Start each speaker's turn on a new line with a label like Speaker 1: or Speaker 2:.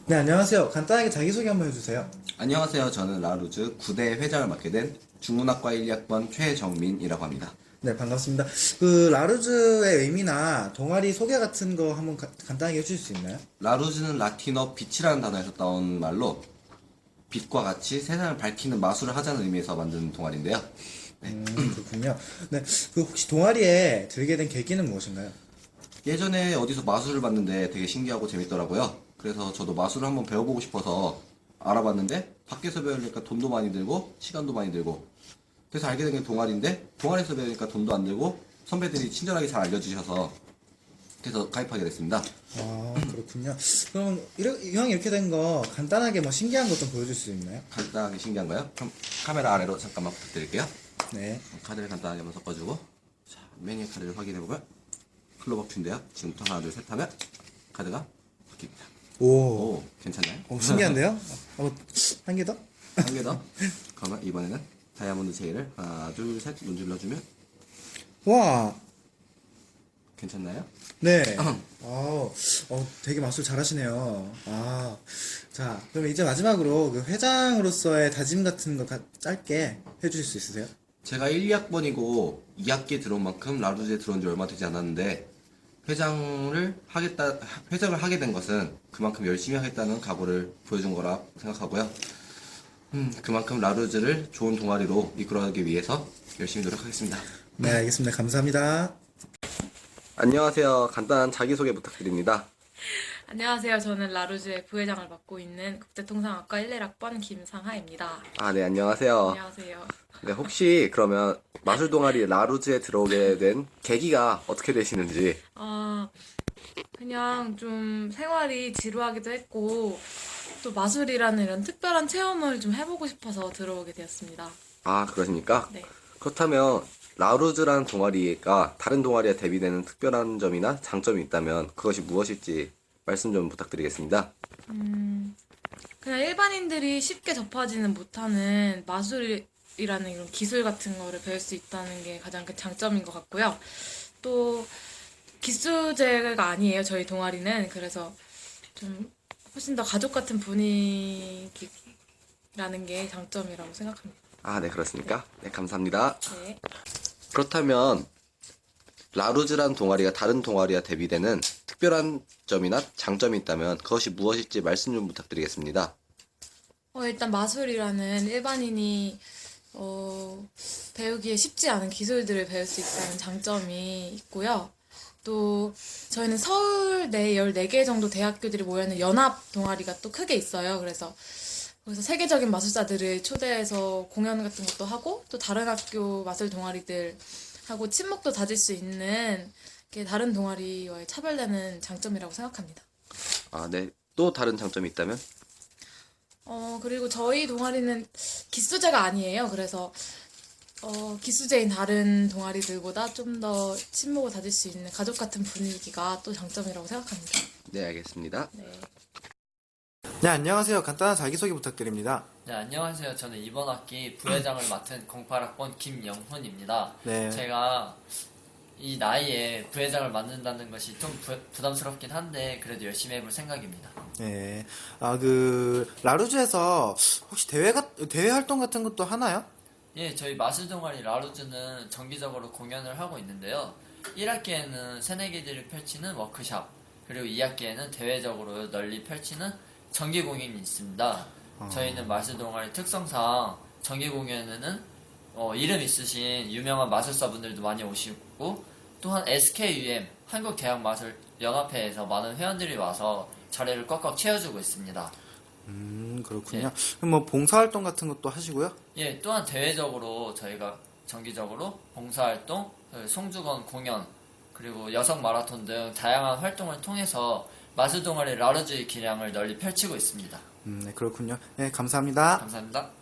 Speaker 1: 네, 안녕하세요. 간단하게 자기소개 한번 해주세요.
Speaker 2: 안녕하세요. 저는 라루즈 9대 회장을 맡게 된 중문학과 1학번 최정민이라고 합니다.
Speaker 1: 네, 반갑습니다. 그, 라루즈의 의미나 동아리 소개 같은 거 한번 간단하게 해주실 수 있나요?
Speaker 2: 라루즈는 라틴어 빛이라는 단어에서 따온 말로 빛과 같이 세상을 밝히는 마술을 하자는 의미에서 만든 동아리인데요.
Speaker 1: 그렇군요. 네, 그 혹시 동아리에 들게 된 계기는 무엇인가요?
Speaker 2: 예전에 어디서 마술을 봤는데 되게 신기하고 재밌더라고요. 그래서 저도 마술을 한번 배워보고 싶어서 알아봤는데 밖에서 배우니까 돈도 많이 들고 시간도 많이 들고 그래서 알게 된 게 동아리인데 동아리에서 배우니까 돈도 안 들고 선배들이 친절하게 잘 알려주셔서 그래서 가입하게 됐습니다.
Speaker 1: 아, 그렇군요. 그럼, 이왕 이렇게 된 거 간단하게 뭐 신기한 것 좀 보여줄 수 있나요?
Speaker 2: 간단하게 신기한가요? 그럼 카메라 아래로 잠깐만 부탁드릴게요.
Speaker 1: 네.
Speaker 2: 카드를 간단하게 한번 섞어주고 자, 메뉴 카드를 확인해보면 클로버큐인데요. 지금부터 하나 둘 셋 하면 카드가 바뀝니다.
Speaker 1: 오,
Speaker 2: 오, 괜찮나요?
Speaker 1: 신기한데요? 한 개 더?
Speaker 2: 한 개 더. 그러면 이번에는 다이아몬드 체인을 하나 둘 셋 문질러주면
Speaker 1: 와,
Speaker 2: 괜찮나요?
Speaker 1: 네. 되게 마술 잘하시네요. 아, 자, 그럼 이제 마지막으로 그 회장으로서의 다짐 같은 거 짧게 해주실 수 있으세요?
Speaker 2: 제가 1, 2학번이고 2학기에 들어온 만큼 라루즈에 들어온 지 얼마 되지 않았는데 회장을 하게 된 것은 그만큼 열심히 하겠다는 각오를 보여준 거라 생각하고요. 그만큼 라루즈를 좋은 동아리로 이끌어가기 위해서 열심히 노력하겠습니다.
Speaker 1: 네, 알겠습니다. 감사합니다.
Speaker 2: 안녕하세요. 간단한 자기소개 부탁드립니다.
Speaker 3: 안녕하세요. 저는 라루즈의 부회장을 맡고 있는 국제통상학과 11학번 김상하입니다.
Speaker 2: 네, 안녕하세요.
Speaker 3: 안녕하세요.
Speaker 2: 네, 혹시 그러면 마술 동아리 라루즈에 들어오게 된 계기가 어떻게 되시는지.
Speaker 3: 그냥 좀 생활이 지루하기도 했고, 또 마술이라는 이런 특별한 체험을 좀 해보고 싶어서 들어오게 되었습니다.
Speaker 2: 그러십니까?
Speaker 3: 네.
Speaker 2: 그렇다면 라루즈라는 동아리가 다른 동아리와 대비되는 특별한 점이나 장점이 있다면 그것이 무엇일지 말씀 좀 부탁드리겠습니다.
Speaker 3: 그냥 일반인들이 쉽게 접하지는 못하는 마술이라는 이런 기술 같은 거를 배울 수 있다는 게 가장 큰 장점인 것 같고요. 또 기수제가 아니에요, 저희 동아리는. 그래서 좀 훨씬 더 가족 같은 분위기라는 게 장점이라고 생각합니다.
Speaker 2: 네, 그렇습니까? 네, 감사합니다.
Speaker 3: 네.
Speaker 2: 그렇다면 라루즈라는 동아리가 다른 동아리와 대비되는 특별한 점이나 장점이 있다면 그것이 무엇일지 말씀 좀 부탁드리겠습니다.
Speaker 3: 일단 마술이라는 일반인이 배우기에 쉽지 않은 기술들을 배울 수 있다는 장점이 있고요. 또 저희는 서울 내 14개 정도 대학교들이 모여있는 연합 동아리가 또 크게 있어요. 그래서 거기서 세계적인 마술사들을 초대해서 공연 같은 것도 하고 또 다른 학교 마술 동아리들 하고 친목도 다질 수 있는 게 다른 동아리와의 차별되는 장점이라고 생각합니다.
Speaker 2: 네. 또 다른 장점이 있다면?
Speaker 3: 그리고 저희 동아리는 기수제가 아니에요. 그래서 기수제인 다른 동아리들보다 좀 더 친목을 다질 수 있는 가족 같은 분위기가 또 장점이라고 생각합니다.
Speaker 2: 네, 알겠습니다.
Speaker 3: 네.
Speaker 1: 네, 안녕하세요. 간단한 자기소개 부탁드립니다.
Speaker 4: 네, 안녕하세요. 저는 이번 학기 부회장을 맡은 08학번 김영훈입니다.
Speaker 1: 네.
Speaker 4: 제가 이 나이에 부회장을 맡는다는 것이 좀 부담스럽긴 한데 그래도 열심히 해볼 생각입니다.
Speaker 1: 네. 라루즈에서 혹시 대회 활동 같은 것도 하나요?
Speaker 4: 예, 저희 마술 동아리 라루즈는 정기적으로 공연을 하고 있는데요. 1학기에는 새내기들이 펼치는 워크샵, 그리고 2학기에는 대외적으로 널리 펼치는 정기 공연이 있습니다. 저희는 마술 동아리 특성상 정기 공연에는 이름 있으신 유명한 마술사분들도 많이 오시고 또한 SKUM 한국대학마술연합회에서 많은 회원들이 와서 자리를 꽉꽉 채워주고 있습니다.
Speaker 1: 그렇군요.
Speaker 4: 네.
Speaker 1: 그럼 뭐 봉사활동 같은 것도 하시고요?
Speaker 4: 예, 또한 대외적으로 저희가 정기적으로 봉사활동, 송주건 공연, 그리고 여성 마라톤 등 다양한 활동을 통해서 마술 동아리 라루즈의 기량을 널리 펼치고 있습니다.
Speaker 1: 네, 그렇군요. 네, 감사합니다.
Speaker 4: 감사합니다.